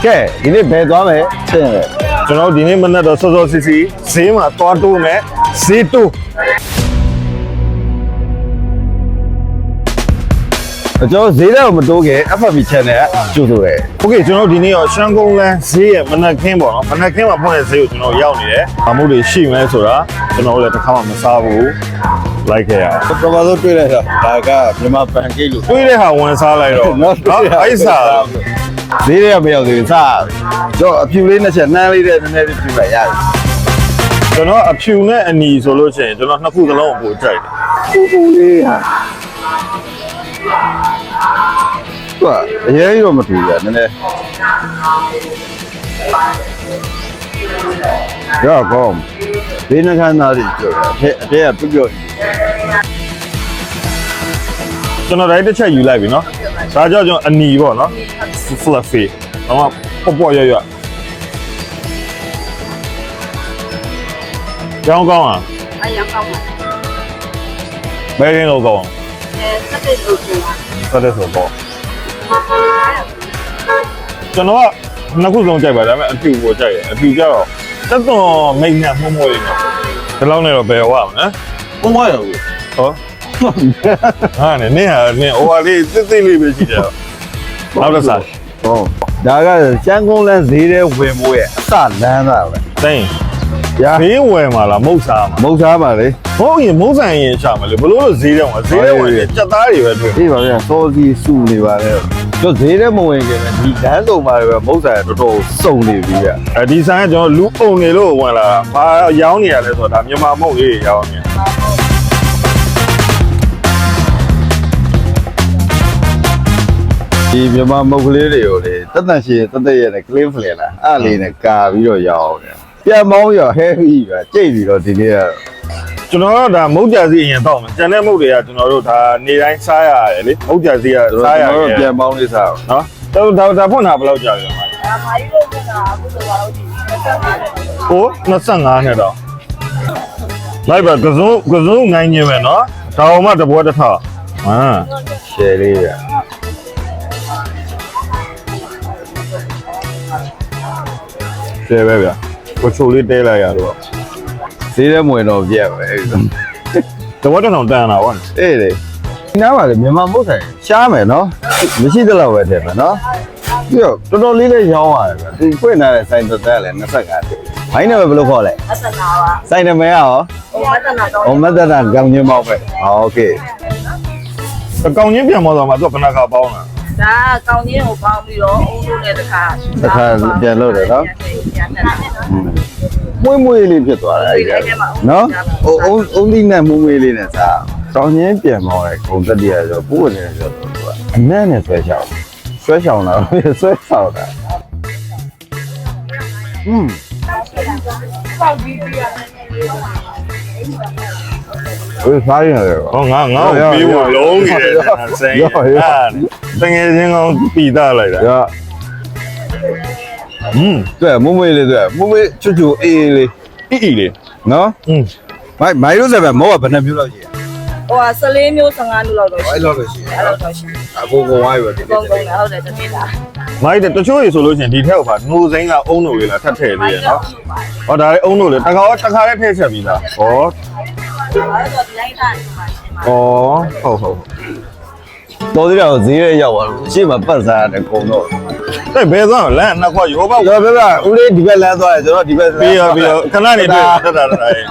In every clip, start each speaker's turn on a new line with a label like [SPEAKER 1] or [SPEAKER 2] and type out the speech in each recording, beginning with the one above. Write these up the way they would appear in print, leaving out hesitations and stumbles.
[SPEAKER 1] ကဲဒီနေ့ဘယ်သွားမယ်ရှင်းတယ်ကျွန်တော်ဒီနေ့မနက်တော့စောစောစီစီဈေးမှာသွားတိုးမယ်ဈေးတိုးကျွန်တော်ဈေးတော့မတိုးခင် FB channel ကကြိုးဆိုတယ်โอเคကျွန်တော်ဒီနေ့ရောရှမ်းကုန်းလန်းဈေးရဲ့မနက်ခင်းပေါ့နော်မနက်ခင်းမှာဖွင့်တဲ့ဈေးကိုကျွန်တော်ရောက်နေတယ်။အမှုတွေရှိမယ်ဆိုတာကျွန်တော်လည်းတစ်ခါမှမစားဘူးလိုက်ခဲ့ရအောင်ပထမဆုံးတွေ့လိုက်တာဒါကမြန်မာပန်ကိတ်လို့တွေ့တဲ့ဟာဝန်စားလိုက်တော့နော်အိုက်စားဈေးတွေကမရောက်သေးဘူးစားတော့အဖြူလေးနှစ်ချက်နှမ်းလေးတဲ့နည်းနည်းလေးပြလိုက်ရတယ်ကျွန်တော်အဖြူနဲ့အနီဆိုလို့ရှိရင်ကျွန်တော်နှစ်ခုစလုံးကိုပို့ကြိုက်တယ်ပူလေးဟာအရင်ရောမထူရနည်းနည်းရောကောင်းဘေးနှခမ်းသားလေးပြောတယ်အတဲကပြုတ်ပြုတ်ကျွန်တော်တိုင်းတစ်ချက်ယူလိုက်ပြီနော်ဒါကြောင့်ကျွန်တော်အနီပေါ့နော် fluffy တော့ပေါ့ရွရွရောင်းကောင်းอ่ะ
[SPEAKER 2] ရောင်းကောင်းပါ
[SPEAKER 1] ဘယ်ရင်းလို့ကောင်း
[SPEAKER 2] စက်တဲ့လို့ပြောတာ
[SPEAKER 1] စက်တဲ့ဆိုပေါ့ကျွန်တော်ကနှစ်ခုလုံးကြိုက်ပါဒါပေမဲ့အဖြူကိုကြိုက်တယ်အဖြူကြတော့တက်တော်မိတ်နဲ့မှုံးမွေးနေဒီလောက်နဲ့တော့ဘယ်ဝါမလဲမှုံးမွေးရဘူးဟောဟာနင်းဟာနင်းဟိုဟာလေးစစ်စစ်လေးပဲရှိတယ်နောက်တစ်စားဟောဒါကရှမ်းကုန်းလန်းဈေးထဲဝင်မိုးရဲ့အစလန်းတာပဲသိင်းဈေးဝယ်မှာလားမုတ်စားမှာမုတ်စားပါလေဟုတ်ရင်မုတ်ဆိုင်ရင်ရှာမှာလေဘလို့လို့ဈေးထဲမှာဈေးထဲဝင်ကြက်သားတွေပဲတွေ့အေးပါဗျာစောစီစုနေပါလေတို့ဈေးထဲမဝင်ခင်ပဲဒီလမ်းစုံမှာပဲမုတ်ဆိုင်တော်တော်စုံနေပြီဗျဒီဆိုင်ကကျွန်တော်လူပုံနေလို့ဝင်လာတာဘာရောင်းနေရလဲဆိုတော့ဒါမြန်မာမုတ်လေးရောင်းနေဒီမြန်မာမုတ်ကလေးတွေကိုလေတက်တန့်ရှိတက်တက်ရဲ့ clean flare လားအဲ့လေးနဲ့ကာပြီးတော့ရောင်းတယ်ပြန်မောင်းရော heavy ပဲကြိတ်ပြီးတော့ဒီနေ့ကကျွန်တော်တို့ဒါမုတ်ကြစီအရင်တော့မယ်ကျန်တဲ့မုတ်တွေကကျွန်တော်တို့ဒါနေတိုင်းစားရတယ်လေမုတ်ကြစီကစားရတယ်ကျွန်တော်တို့ပြန်မောင်းလေးစားနော်ဒါဖွင့်တာဘယ်လောက်ကြာလဲမှာ
[SPEAKER 2] မာရီတို့ကအခုဆိုတော့ဒီ
[SPEAKER 1] 25နဲ့တော့လိုက်ပါကစုံနိုင်နေမယ်နော်ဒါအောင်မှတပွဲတစ်ထောင်ရှယ်လေးရရှယ်ပဲဗျကိုချိုလေးတဲလိုက်ရတော့ဈေးထဲမဝင်တော့ပြက်ပဲတဝက်တောင်တန်တာဗောအေးလေနားပါလေမြန်မာမုတ်ဆိုင်ရှားမယ်နော်မရှိသလောက်ပဲထည့်မယ်နော်ပြီးတော့တော်တော်လေးလေးရောင်းရတယ်ဗျသူဖွင့်ထားတဲ့ဆိုင်သက်လည်း25တိဘိုင်းနဲ့ပဲဘယ်လိုခေါ်လဲ
[SPEAKER 2] မတနာပါ
[SPEAKER 1] ဆိုင်နာမည်ရောမတနာကောင်းချင်းမောက်ပဲโอเคကောင်းချင်းပြန်မောက်တော့မှသူကဘဏ္ဍာကပေါင်းတာ
[SPEAKER 2] ဒါကောင်းချင်းကိုပေါင်းပြီးတော့အုံးလို့လည်းတစ်ခါ
[SPEAKER 1] ပြန်လို့တယ်နော်မွေးမွေးလေးဖြစ်သွားတယ်အဲ့ဒါနော်အုံးသီးနဲ့မွေးမွေးလေးနဲ့စားကောင်းချင်းပြန်မောက်ရဲခုံတက်တရဆိုပိုးနေဆိုတော့သူကအနက်နဲ့ဆွဲချောင်းလာဆွဲချောင်းတာ
[SPEAKER 2] ပေါက်ပြီးပြရတယ်
[SPEAKER 1] စားရတယ်ဟောငါပြီးဝင်လုံးနေတယ်စိန်တငယ်ချင်းကောင်ပြီးသားလိုက်တာ对မွေးမွေးလေး对မွေးမွေးချွတ်ချွတ်အေးလေးလေးနော်မိုင်လို့ဆိုပဲမောကဘယ်နှမျိုးလောက်ရှိ
[SPEAKER 2] ဟို14မျိုး15မျိုးလောက်တော့ရှိ
[SPEAKER 1] အဲ့လောက်ပဲရှိ
[SPEAKER 2] အဲ့လောက်တော့ရှိ
[SPEAKER 1] အကုန်ကုန်ဝိုင်းပဲ
[SPEAKER 2] ဒီကုန်ကုန်ဟုတ်တယ်တမီးလား
[SPEAKER 1] မိုက်တချို့ရေဆိုလို့ရှိရင်ဒီထက်ကပါနှိုးစိမ်းကအုံးတို့လေးလားထပ်ထည့်သေးရနော်ဟောဒါလေးအုံးတို့လေးတခါလေးထည့်ချက်ပြီးသားဟော
[SPEAKER 2] အဲ့တော့ဒီလိုက်တာဒီမှာရှင်းပါ
[SPEAKER 1] ဟုတ်တော်သေးတယ်ဈေးရဲရောက်သွားလို့ရှေ့မှာပတ်စားရတယ်ကုန်တော့တဲ့ဘယ်သွားလမ်းနှစ်ခွရောပေါ့ပြောပြဦးလေးဒီဘက်လမ်းသွားတယ်ကျွန်တော်ဒီဘက်ပြီးရောခဏနေတွေ့တက်တာရဲ့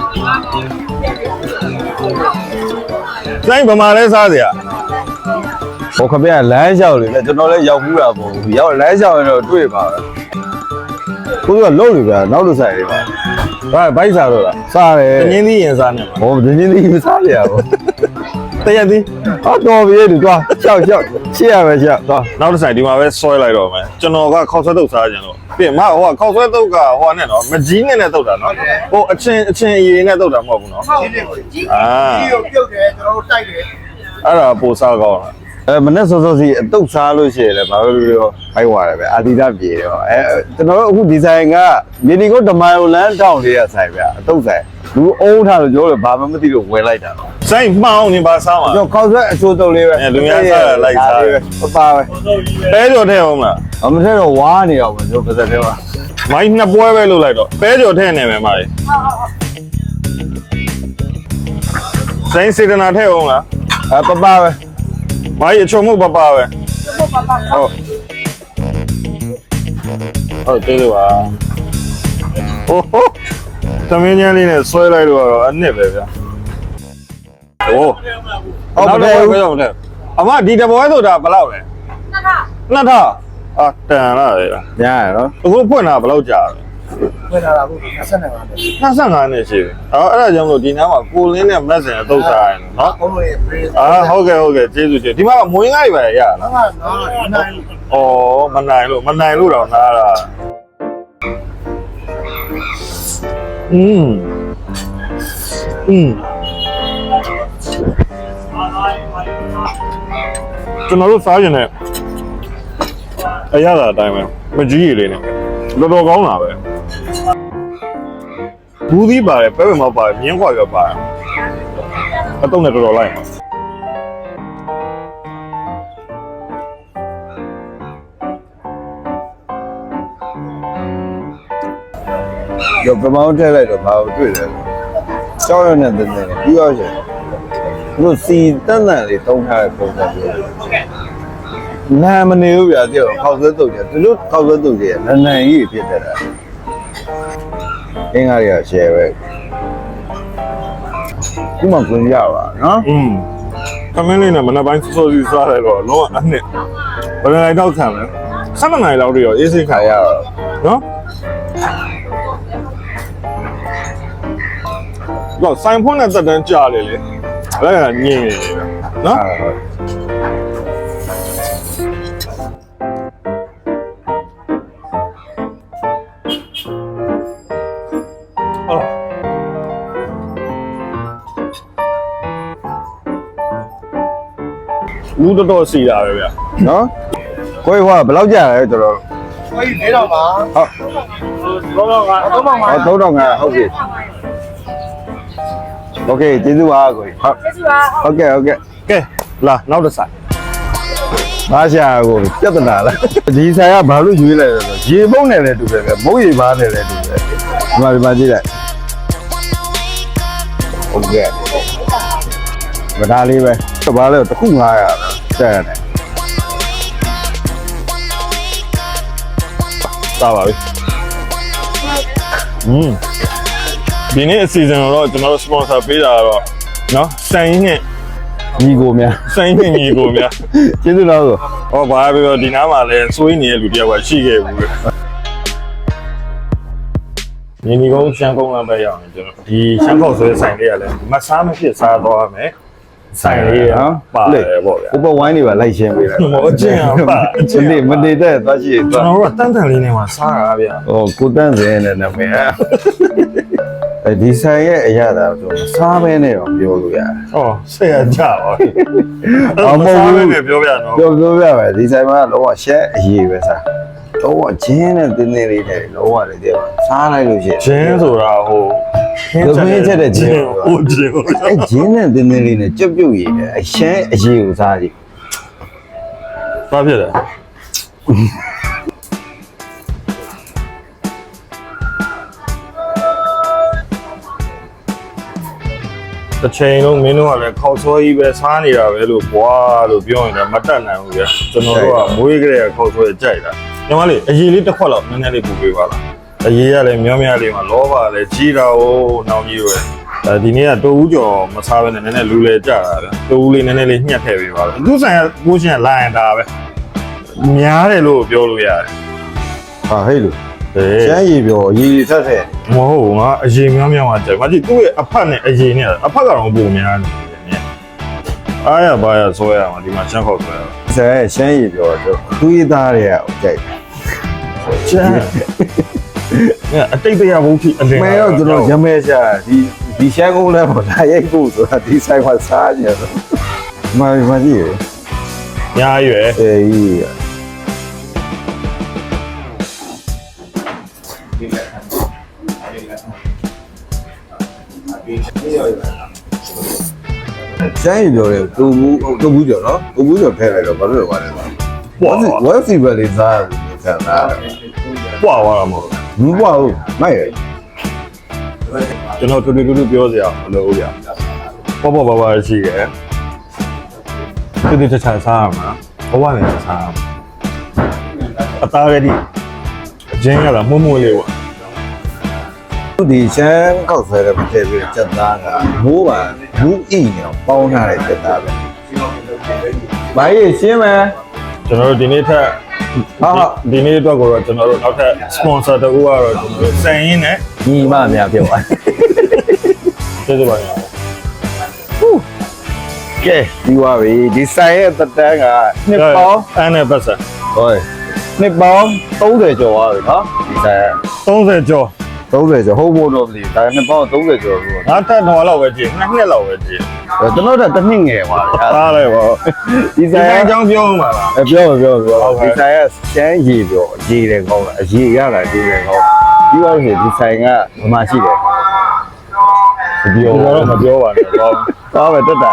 [SPEAKER 1] စိုင်းဗမာလဲစားစရာဟိုခပြလမ်းလျှောက်လေကျွန်တော်လည်းရောက်ဘူးတာပေါ့ရောက်လမ်းလျှောက်ရင်တော့တွေ့ပါပဲကိုကလုံးလို့ဗျာနောက်တစ်ဆိုင်လေးပါဘိုက်စားတော့လားစားတယ်တင်းင်းသီးရင်စားနေမှာဟောတင်းင်းသီးစားရပါတရက်သီးတော်ပြီတူသွားရှောက်ရှေ့ရပဲရှောက်သွားနောက်တစ်ဆိုင်ဒီမှာပဲဆွဲလိုက်တော့မယ်ကျွန်တော်ကခောက်ဆွဲတုပ်စားကြတယ်လို့ပြင်မဟိုကခောက်ဆွဲတုပ်ကဟိုနဲ့နော်မကြီးနဲ့တုပ်တာနော်ဟိုအချင်းအရေးနဲ့တုပ်တာမဟုတ်ဘူးနော်ကြီးကိုပြုတ်တယ်ကျွန်တော်တို့တိုက်တယ်အဲ့ဒါပိုစားကောင်းတာမနေ့စောစောစီအတုပ်စားလို့ရှိရင်လည်းဘာလို့ပြောဖိုက်သွားတယ်ပဲအာဒီတာပြေတယ်ဟောကျွန်တော်တို့အခုဒီဆိုင်ကမြေဒီကိုဒမိုင်ယိုလန်တောင်းလေးရဆိုင်ဗျအတုပ်ဆိုင်
[SPEAKER 3] လူအုံးထားလို့ပြောတယ်ဘာမှမသိလို့ဝယ်လိုက်တာ
[SPEAKER 1] ဆိုင်မှောင်းနေပါစားမှာ
[SPEAKER 3] ကျွန်တော်ခောက်ဆွဲအချိုးတုပ်လေးပဲ
[SPEAKER 1] လူများစားတာလိုက်စားတယ်
[SPEAKER 3] ပါပဲ
[SPEAKER 1] ပဲကြော်ထဲအောင်မလား
[SPEAKER 3] အမထဲတော့ဝါနေအောင်ကျွန်တော်ပါစက်ထဲမှာ
[SPEAKER 1] မိုင်းနှစ်ပွဲပဲလုပ်လိုက်တော့ပဲကြော်ထဲနေမယ်မာလေးဆိုင်စေတနာထဲအောင်လား
[SPEAKER 3] ပပပဲ
[SPEAKER 1] မိုင်းအချုံမှုပပပဲ
[SPEAKER 2] ဟုတ်ပါပါ
[SPEAKER 1] ဟုတ်ကျေးဇူးပါဟိုဟိုသမင်းချမ်းလေးနဲ့ဆွဲလိုက်လို့ကတော့အနှစ်ပဲဗျာโอ้ဟုတ်တယ်ဟုတ်တယ်အမဒီတပွဲဆိုတာဘယ်လောက်လဲနှစ်ထအာတန်လာလေ
[SPEAKER 3] ညာရနော်
[SPEAKER 1] အခုဖွင့်တာဘယ်လောက်ကြာလဲ
[SPEAKER 4] ဖွင့်လာတာကို25နှစ်
[SPEAKER 1] 25နှစ်ရှိပြီအဲ့ဒါကြောင့်လို့ဒီနားမှာကိုလင်းနဲ့မက်ဆင်အတုပ်စားရတယ်နော်
[SPEAKER 4] ဘုံတို့ရဲ့ praise
[SPEAKER 1] ဟုတ်ကဲ့ကျေးဇူးတင်ဒီမှာမွေးငါးတွေပဲရလား
[SPEAKER 4] တော့နော်နိုင်
[SPEAKER 1] ဩမနိုင်လို့တော့နားတာကျွန်တော်တို့စားရင်လည်းအရသာအတိုင်းပဲမကြီးရည်လေးနဲ့တော်တော်ကောင်းတာပဲဘူးသီးပါတယ်ပဲပဲမပါတယ်မြင်းခွာရပါတယ်အတုံးနဲ့တော်တော်လိုက်ပါ
[SPEAKER 3] ရောပမောင်းထည့်လိုက်တော့ဘာလို့တွေ့လဲကြောက်ရတဲ့တဲ့နဲ့ပြီးတော့ရှင်တို့စီတန်တန်လေးတုံးထားတဲ့ပုံစံမျိုးနာမနေဘူးဗျာတဲ့ခောက်ဆွဲတုပ်တယ်သူတို့ခောက်ဆွဲတုပ်တယ်နန်းနန်းကြီးဖြစ်တတ်တာအင်းကားရရှယ်ပဲဒီမှာကွန်ရပါနော်
[SPEAKER 1] ခမင်းလေးနဲ့မနက်ပိုင်းစောစီစားလိုက်တော့လုံးဝအနှစ်ဘယ်လိုတော့ခံလဲ7နိုင်လောက်တည်းရောအေးစိတ်ခါ
[SPEAKER 3] ခါရတော့
[SPEAKER 1] နော်တော့ဆိုင်ဖွင့်တဲ့သက်တမ်းကြာလေလေအဲ့ဒါညင်နေတယ်နော် လူတော်စီတာပဲဗျာ
[SPEAKER 3] နော်ကိုယ်ဟောဘယ်လောက်ကြာလဲတော်တော်
[SPEAKER 4] ဟိုကြီး4000ပါ
[SPEAKER 3] ဟုတ်
[SPEAKER 4] 3000ပါ3000ပါ
[SPEAKER 3] 3500ဟုတ်ပြီโอเคကျေးဇူးပါကိုကြီးဟုတ်
[SPEAKER 2] ကျေးဇူးပါ
[SPEAKER 3] ဟုတ်ကဲ့
[SPEAKER 1] ကဲလာနောက်တစ်ဆိုင်
[SPEAKER 3] ဘာရှာကိုပြဿနာလားဒီဆိုင်ကဘာလို့ရွေးလိုက်လဲဆိုရေမုံနဲ့လည်းတူတယ်ပဲမုံရေပါနဲ့လည်းတူတယ်ဒီမှာကြည့်လိုက်ဟုတ်ကဲ့မသားလေးပဲဘာလဲတစ်ခု900တဲ့တယ်
[SPEAKER 1] စားပါပြီဒီနေ့အစီအစဉ်တော့ကျွန်တော်တို့ sponsor ပေးတာတော့နော်ဆိုင်နဲ့
[SPEAKER 3] ညီကိုများ
[SPEAKER 1] ဆိုင်နဲ့ညီကိုများ
[SPEAKER 3] ကျေးဇူးတော်ဆို
[SPEAKER 1] ဟောဘာပဲပြောဒီနားမှာလည်းစိုးရင်းနေတဲ့လူတယောက်ကရှိခဲ့ဘူးလေညီညီကုန်းရှမ်းကုန်းလာပဲရအောင်ကျွန်တော်ဒီရှမ်းခေါက်ဆွဲဆိုင်လေးကလည်းမစားမဖြစ်စားသွားမယ်ဆိုင်လေးကပါတယ်ပေါ့ဗျာ
[SPEAKER 3] ဥပဝိုင်းတွေပါလိုက်ရှင်းပေးလိုက်
[SPEAKER 1] ဟောအကျင့်အောင်ပါအကျင့်
[SPEAKER 3] မနေတဲ့သွားရှိ
[SPEAKER 1] ကျွန်တော်တို့ကတန်းတန်လေးနဲ့မှစားတာဗျာ
[SPEAKER 3] ဟိုကိုတန်းစင်နဲ့နာမည်ဒီဆိုင်ရဲ့အရာသာဆိုစားမဲနဲ့တော့ပြောလို့ရတယ်
[SPEAKER 1] ဟောဆက်ရကြပါဘူး
[SPEAKER 3] အမဟုတ်ဘူး
[SPEAKER 1] ပြောပြတော့
[SPEAKER 3] ပြောပြပဲဒီဆိုင်မှာလောကရှက်အရေးပဲစားတော့ဂျင်းနဲ့တင်းတင်းလေးနဲ့လောကလေးတဲ့စားလိုက်လို့ရှိရင်
[SPEAKER 1] ဂျင်းဆိုတာဟို
[SPEAKER 3] သမင်းချက်တဲ့ဂျင်း
[SPEAKER 1] ဟိုဂျင်း
[SPEAKER 3] အဲဂျင်းနဲ့တင်းတင်းလေးနဲ့ကြွပြုတ်ရည်နဲ့အရှမ်းအရေးကိုစားကြည့်
[SPEAKER 1] ဘာဖြစ်လဲတစ်ချိန်လုံးမင်းတို့ကလည်းခေါက်ဆွဲကြီးပဲစားနေတာပဲလို့ဘွားလို့ပြောရင်လည်းမတတ်နိုင်ဘူးဗျာကျွန်တော်တို့ကမွေးကြတဲ့ခေါက်ဆွဲကြိုက်တာညီမလေးအရေးလေးတစ်ခွက်လောက်နည်းနည်းလေးပူပေးပါလားအရေးရလည်းမြောင်းများလေးမှာလောဘလည်းကြီးတာ哦နောင်ကြီးပဲဒီနေ့ကတိုးဦးကျော်မစားဘဲနဲ့နည်းနည်းလူလဲကြတာဗျာတိုးဦးလေးနည်းနည်းလေးညှက်ထည့်ပေးပါလားသူဆိုင်ကကိုရှင်ကလာရင်ဒါပဲများတယ်လို့ပြောလို့ရတယ်
[SPEAKER 3] ဟာဟဲ့လို့
[SPEAKER 1] အေး
[SPEAKER 3] ရှမ်းရည်ပြောရည်ဆက်ဆက်
[SPEAKER 1] မဟုတ်ငါအရင်များများမှကြိုက်မကြည့်သူ့ရဲ့အဖက်နဲ့အရင်နဲ့အဖက်ကတော့ပုံများနေတယ်အားရပါရဆွဲရမှာဒီမှာရှမ်းခေါက်ဆွဲရ
[SPEAKER 3] ဆိုင်ရှမ်းရည်ပြောတော့သူ့ရသားတွေကကြိုက်
[SPEAKER 1] ချမ်းအတိတ်တရားဘုံဖြစ်အလင်း
[SPEAKER 3] မဲတော့ကျွန်တော်ရမဲရှာဒီရှမ်းကုန်းလဲပေါ်လာရိုက်ဖို့ဆိုတာဒီဆိုင်မှာစားကြတယ်မကြည့်ရ
[SPEAKER 1] ညာရွယ်
[SPEAKER 3] အေးကျန်းရီပြောတယ်တူဘူးကျော်နော်တူဘူးကျော်ထည့်လိုက်တော့ဘာလို့လဲပါလဲဝက်စီပဲလေးစားလို့ခံတာ
[SPEAKER 1] ပွာသွားတာမဟုတ်
[SPEAKER 3] မပွားဘူးမိုက်ရ
[SPEAKER 1] ကျွန်တော်တူတူပြောစရာမလိုဘူးဗျပေါ့ပါရှိတယ်တူချာစားရမှာဘဝနဲ့စားရမှာအသားရည်အချင်းရတာမှုလေးပေါ့
[SPEAKER 3] ဒီရှမ်းခောက်ဆွဲတဲ့ထည့်ပြီးစက်သားကမိုးပါဘူးအိနေပေါင်းထားတဲ့စက်သားပဲဘာကြီးရှင်းမယ်
[SPEAKER 1] ကျွန်တော်တို့ဒီနေ့ထက်ဒီနေ့အတွက်ကိုတော့ကျွန်တော်တို့နောက်ထပ် sponsor တကူကတော့ကျွန်တော်တို့စံရင်းနဲ့
[SPEAKER 3] ညီမများပြောပါ
[SPEAKER 1] ကျေးဇူးပါဗျာ
[SPEAKER 3] ကဲပြီးသွားပြီဒီဆိုင်ရဲ့တက်တန်းကနှစ်ပေါင်း
[SPEAKER 1] အဲ့နဲ့ပတ်စံ
[SPEAKER 3] ဟိုနှစ်ပေါင်း30ကျော်သွားပြီနော်ဒီဆိုင်
[SPEAKER 1] 30ကျော်
[SPEAKER 3] 30ကျော်ဟုတ်ဖို့တော့မသိဒါနှစ်ပေါင်း30ကျော်လို့
[SPEAKER 1] ငါထက်တော့လောက်ပဲကြည့်နှစ်နှစ်လောက်ပဲကြည့်
[SPEAKER 3] ကျွန်တော်တို့တစ်နှစ်ငယ်ပါလေ
[SPEAKER 1] သားလိုက်ပါ
[SPEAKER 3] ဒီ
[SPEAKER 1] ဒီ
[SPEAKER 3] ဆိုင်
[SPEAKER 1] ဆိုင်
[SPEAKER 3] က
[SPEAKER 1] အကြောင်းပြောမှာလား
[SPEAKER 3] ပြောဒီဆိုင်ကရှမ်းရည်ပြောရည်တယ်ကောင်းလားအရည်ရတာရည်တယ်ကောင်းပြီးတော့ဒီဆိုင်ကဘမှရှိတယ်
[SPEAKER 1] ပြောတော့မပြောပါနဲ့တော့
[SPEAKER 3] သွားပဲတက်တာ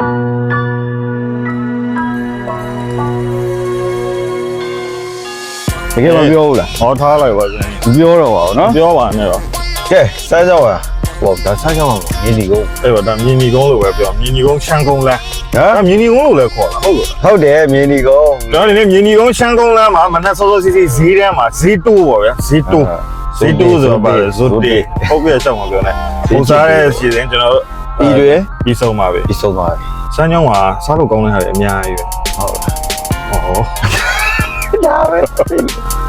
[SPEAKER 3] တကယ်မပြောဘူးလား
[SPEAKER 1] ဟောထားလိုက်ပါစမ်း
[SPEAKER 3] မပြောတော့ပါဘူးနော်
[SPEAKER 1] ပြောပါနဲ့တော့
[SPEAKER 3] ကဲစားကြပါဟောဒါစားကြပါမြင်းဒီကုန်း
[SPEAKER 1] အဲ့တော့ဒါမြင်းဒီကုန်းလို့ပဲပြောမြင်းဒီကုန်းရှမ်းကုန်းလမ်း
[SPEAKER 3] ဟမ်
[SPEAKER 1] ဒါမြင်းဒီကုန်းလို့လည်းခေါ်တာဟုတ်လို့
[SPEAKER 3] ဟုတ်တယ်မြင်းဒီကုန်း
[SPEAKER 1] ကျွန်တော်ဒီနေ့မြင်းဒီကုန်းရှမ်းကုန်းလမ်းမှာမနက်စောစောစီစီဈေးတန်းမှာဈေးတိုးပါဗျာဈေးတိုးဈေးတိုးဆိုတော့ပါဇွတ်တေဟုတ်ပြည့်ချက်မှာပြောနေပုံစားတဲ့စီစဉ်ကျွန်တော်တို့
[SPEAKER 3] ပြီးတွေ
[SPEAKER 1] ပြီးဆုံးပါပဲ
[SPEAKER 3] ပြီးဆုံးသွားပြီ
[SPEAKER 1] စမ်းချောင်းမှာစားလို့ကောင်းတဲ့ဟာတွေအများကြီးပဲ
[SPEAKER 3] ဟုတ်လား
[SPEAKER 1] ဟော
[SPEAKER 3] ဒါပဲ